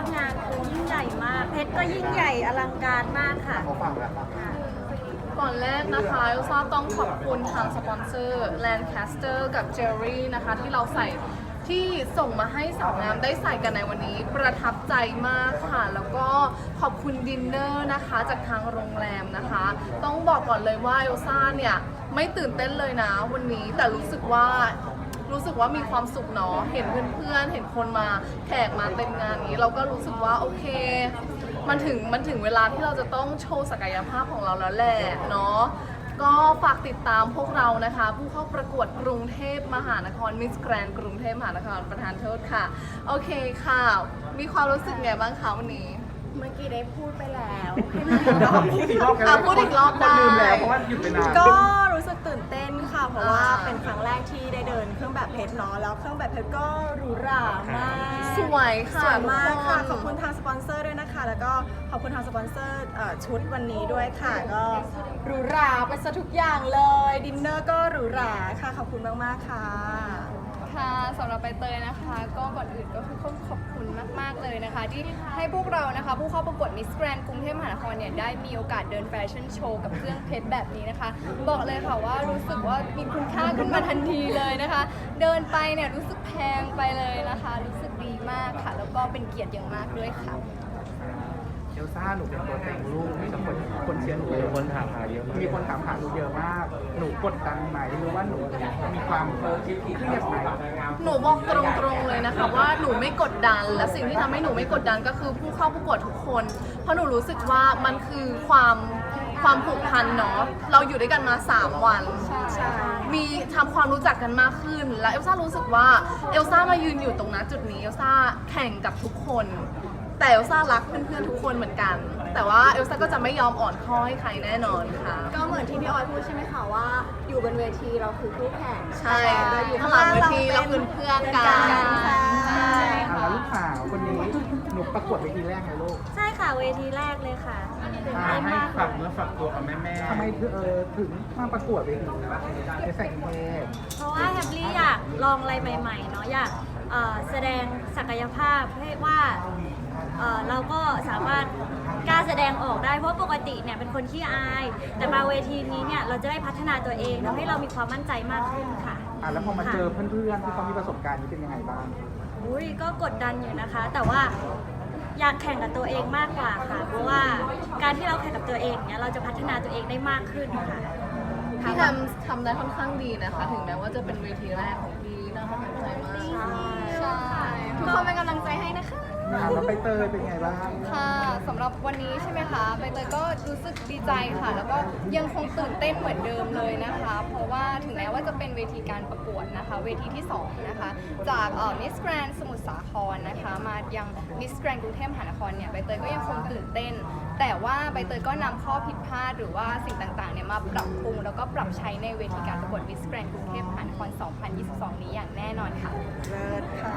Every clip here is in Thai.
งานคือยิ่งใหญ่มากเพชรก็ยิ่งใหญ่อลังการมากค่ะเขาฟังแล้วครับก่อนแรกนะคะเอลซ่าต้องขอบคุณทางสปอนเซอร์ Lancaster กับ Jerry นะคะที่เราใส่ที่ส่งมาให้สาวงามได้ใส่กันในวันนี้ประทับใจมากค่ะ แล้วก็ขอบคุณดินเนอร์นะคะจากทางโรงแรมนะคะ ต้องบอกก่อนเลยว่าเอลซ่าเนี่ยไม่ตื่นเต้นเลยนะวันนี้แต่รู้สึกว่ามีความสุขเนาะเห็นเพื่อนๆเห็นคนมาแขกมาเต็มงานนี้เราก็รู้สึกว่าโอเคมันถึงเวลาที่เราจะต้องโชว์ศักยภาพของเราแล้วแหละเนาะก็ฝากติดตามพวกเรานะคะผู้เข้าประกวดกรุงเทพมหานครมิสแกรนกรุงเทพมหานครประธานโทษค่ะโอเคค่ะมีความรู้สึกไงบ้างคะวันนี้เมื่อกี้ได้พูดไปแล้วพูดอีกรอบกันพูดอีกรอบได้คนลืมแล้วเพราะว่าหยุดไปนานก็รู้สึกตื่นเต้นค่ะ เพราะว่าเป็นครั้งแรกที่ได้เดินเครื่องแบบเพชรเนาะแล้วเครื่องแบบเพชรก็หรูหรามากสวยค่ะสวยมากค่ะทุกคนขอบคุณทางสปอนเซอร์ด้วยนะคะ แล้วก็ขอบคุณทางสปอนเซอร์ชุดวันนี้ด้วยค่ะ ก็หรูหราไปซะทุกอย่างเลย ดินเนอร์ก็หรูหราค่ะ ขอบคุณมากๆค่ะค่ะสำหรับใบเตยนะคะก็ก่อนอื่นก็คือต้องขอบคุณมากๆเลยนะคะ ที่ให้พวกเรานะคะผู้เข้าประกวดมิสแกรนกรุงเทพมหานครเนี่ยได้มีโอกาสเดินแฟชั่นโชว์กับเครื่องเพชรแบบนี้นะคะ บอกเลยค่ะว่ารู้สึกว่ามีคุณค่าขึ้นมาทันทีเลยนะคะ เดินไปเนี่ยรู้สึกแพงไปเลยนะคะ รู้สึกดีมากค่ะ แล้วก็เป็นเกียรติอย่างมากด้วยค่ะเอลซ่าหนูเป็นตัวแต่งลูกมีคนเชียร์หนูมีคนถามหาเยอะมากมีคนถามหาหนูเยอะมาก หนูกดดันไหมหรือว่าหนูมีความเครียดไหมหนูบอกตรงๆเลยนะคะว่าหนูไม่กดดันและสิ่งที่ทำให้หนูไม่กดดันก็คือผู้เข้าประกวดทุกคน เพราะหนูรู้สึกว่ามันคือความผูกพันเนาะเราอยู่ด้วยกันมา 3 วันมีทำความรู้จักกันมากขึ้น และเอลซ่ารู้สึกว่าเอลซ่ามายืนอยู่ตรงนั้นจุดนี้เอลซ่าแข่งกับทุกคน แต่เอลซ่ารักเพื่อนๆทุกคนเหมือนกัน แต่ว่าเอลซ่าก็จะไม่ยอมอ่อนข้อให้ใครแน่นอนค่ะก็เหมือนที่พี่ออยพูดใช่ไหมคะว่าอยู่บนเวทีเราคือคู่แข่งใช่แต่อยู่ข้างหลังเวทีเราคือเพื่อนกันใช่แล้วลูกสาวคนนี้หนูประกวดเวทีแรกไงลูกใช่ค่ะเวทีแรกเลยค่ะตื่นเต้นให้มากฝากเนื้อฝากตัวกับแม่ทำไมถึงมาประกวดเวทีในแสงเทพเพราะว่าแฮปปี้อยากลองอะไรใหม่ๆเนาะอยากแสดงศักยภาพให้ว่าเราก็สามารถกล้าแสดงออกได้เพราะปกติเนี่ยเป็นคนขี้อาย แต่มาเวทีนี้เนี่ยเราจะได้พัฒนาตัวเองทำให้เรามีความมั่นใจมากขึ้นค่ะแล้วพอมาเจอเพื่อนๆที่เขามีประสบการณ์นี้เป็นยังไงบ้างอุ้ยก็กดดันอยู่นะคะ แต่ว่าอยากแข่งกับตัวเองมากกว่าค่ะ เพราะว่าการที่เราแข่งกับตัวเองเนี่ยเราจะพัฒนาตัวเองได้มากขึ้นค่ะพี่ทำได้ค่อนข้างดีนะคะ ถึงแม้ว่าจะเป็นเวทีแรกของพี่น่าประทับใจมากใช่ทุกคนเป็นกำลังใจให้นะคะแล้วใบเตยเป็นไงบ้างค่ะสำหรับวันนี้ใช่ไหมคะใบเตยก็รู้สึกดีใจค่ะ แล้วก็ยังคงตื่นเต้นเหมือนเดิมเลยนะคะ เพราะว่าถึงแม้ว่าจะเป็นเวทีการประกวดนะคะ เวทีที่2นะคะจากมิสแกรนสมุทรสาครนะคะมายังมิสแกรนกรุงเทพมหานครเนี่ยใบเตยก็ยังคงตื่นเต้น แต่ว่าใบเตยก็นำข้อผิดพลาดหรือว่าสิ่งต่างๆเนี่ยมาปรับปรุงแล้วก็ปรับใช้ในเวทีการประกวดมิสแกรนกรุงเทพมหานคร 2022 นี้อย่างแน่นอนค่ะเลิศค่ะ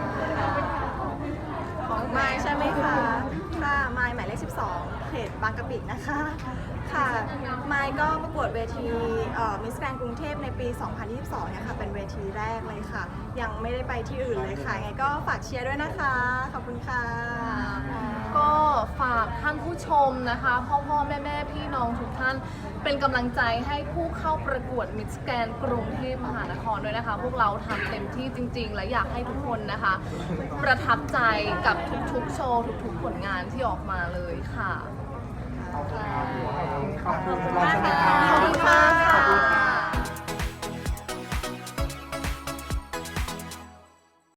ของไมค์ใช่ไหมคะ ค่ะไมค์หมายเลข 12 เขตบางกะปินะคะ ค่ะไมค์ก็ประกวดเวทีมิสแกรนกรุงเทพในปี 2022 เนี่ยค่ะ เป็นเวทีแรกเลยค่ะ ยังไม่ได้ไปที่อื่นเลยค่ะ ไงก็ฝากเชียร์ด้วยนะคะ ขอบคุณค่ะก็ฝากท่านผู้ชมนะคะพ่อแม่พี่น้องทุกท่านเป็นกำลังใจให้ผู้เข้าประกวดมิสแกรนกรุงเทพมหานครด้วยนะคะ พวกเราทำเต็มที่จริงๆ และอยากให้ทุกคนนะคะ ประทับใจกับทุกๆโชว์ทุกๆผลงานที่ออกมาเลยค่ะขอบคุณมากค่ะ